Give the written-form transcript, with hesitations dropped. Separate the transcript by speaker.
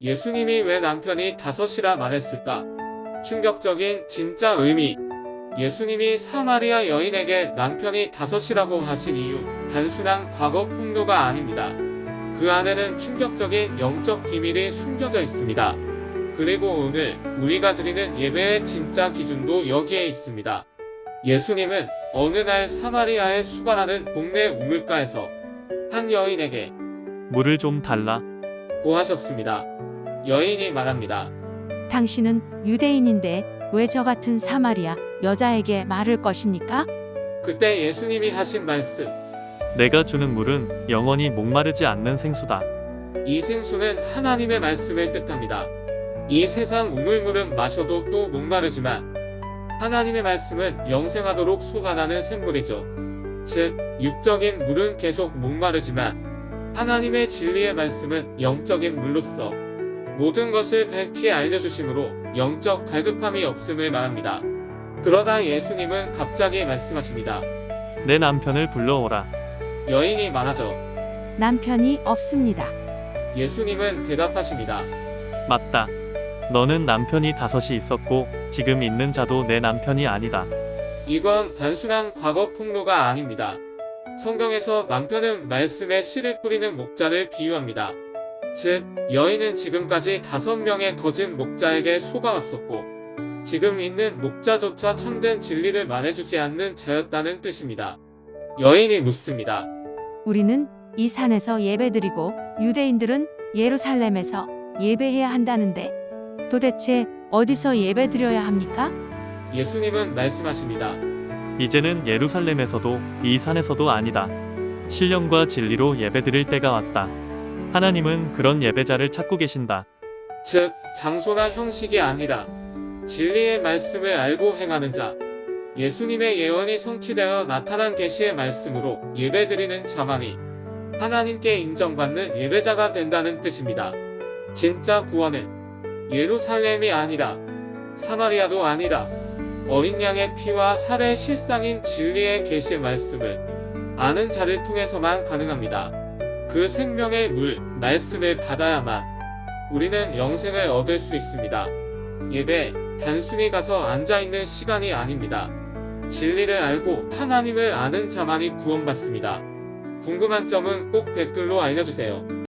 Speaker 1: 예수님이 왜 남편이 다섯이라 말했을까? 충격적인 진짜 의미. 예수님이 사마리아 여인에게 남편이 다섯이라고 하신 이유, 단순한 과거 폭로가 아닙니다. 그 안에는 충격적인 영적 비밀이 숨겨져 있습니다. 그리고 오늘 우리가 드리는 예배의 진짜 기준도 여기에 있습니다. 예수님은 어느 날 사마리아의 수가라는 동네 우물가에서 한 여인에게
Speaker 2: 물을 좀 달라.
Speaker 1: 고 하셨습니다. 여인이 말합니다.
Speaker 3: 당신은 유대인인데 왜 저 같은 사마리아 여자에게 말을 것입니까?
Speaker 1: 그때 예수님이 하신 말씀,
Speaker 2: 내가 주는 물은 영원히 목마르지 않는 생수다.
Speaker 1: 이 생수는 하나님의 말씀을 뜻합니다. 이 세상 우물물은 마셔도 또 목마르지만 하나님의 말씀은 영생하도록 솟아나는 샘물이죠. 즉, 육적인 물은 계속 목마르지만 하나님의 진리의 말씀은 영적인 물로서 모든 것을 밝히 알려주심으로 영적 갈급함이 없음을 말합니다. 그러다 예수님은 갑자기 말씀하십니다.
Speaker 2: 내 남편을 불러오라.
Speaker 1: 여인이 말하죠.
Speaker 3: 남편이 없습니다.
Speaker 1: 예수님은 대답하십니다.
Speaker 2: 맞다. 너는 남편이 다섯이 있었고 지금 있는 자도 내 남편이 아니다.
Speaker 1: 이건 단순한 과거 폭로가 아닙니다. 성경에서 남편은 말씀에 씨를 뿌리는 목자를 비유합니다. 즉, 여인은 지금까지 5명의 거짓 목자에게 속아왔었고 지금 있는 목자조차 참된 진리를 말해주지 않는 자였다는 뜻입니다. 여인이 묻습니다.
Speaker 3: 우리는 이 산에서 예배드리고 유대인들은 예루살렘에서 예배해야 한다는데 도대체 어디서 예배드려야 합니까?
Speaker 1: 예수님은 말씀하십니다.
Speaker 2: 이제는 예루살렘에서도 이 산에서도 아니다. 신령과 진리로 예배드릴 때가 왔다. 하나님은 그런 예배자를 찾고 계신다.
Speaker 1: 즉, 장소나 형식이 아니라 진리의 말씀을 알고 행하는 자, 예수님의 예언이 성취되어 나타난 계시의 말씀으로 예배드리는 자만이 하나님께 인정받는 예배자가 된다는 뜻입니다. 진짜 구원은 예루살렘이 아니라 사마리아도 아니라 어린 양의 피와 살의 실상인 진리의 계시 말씀을 아는 자를 통해서만 가능합니다. 그 생명의 물, 말씀을 받아야만 우리는 영생을 얻을 수 있습니다. 예배, 단순히 가서 앉아있는 시간이 아닙니다. 진리를 알고 하나님을 아는 자만이 구원받습니다. 궁금한 점은 꼭 댓글로 알려주세요.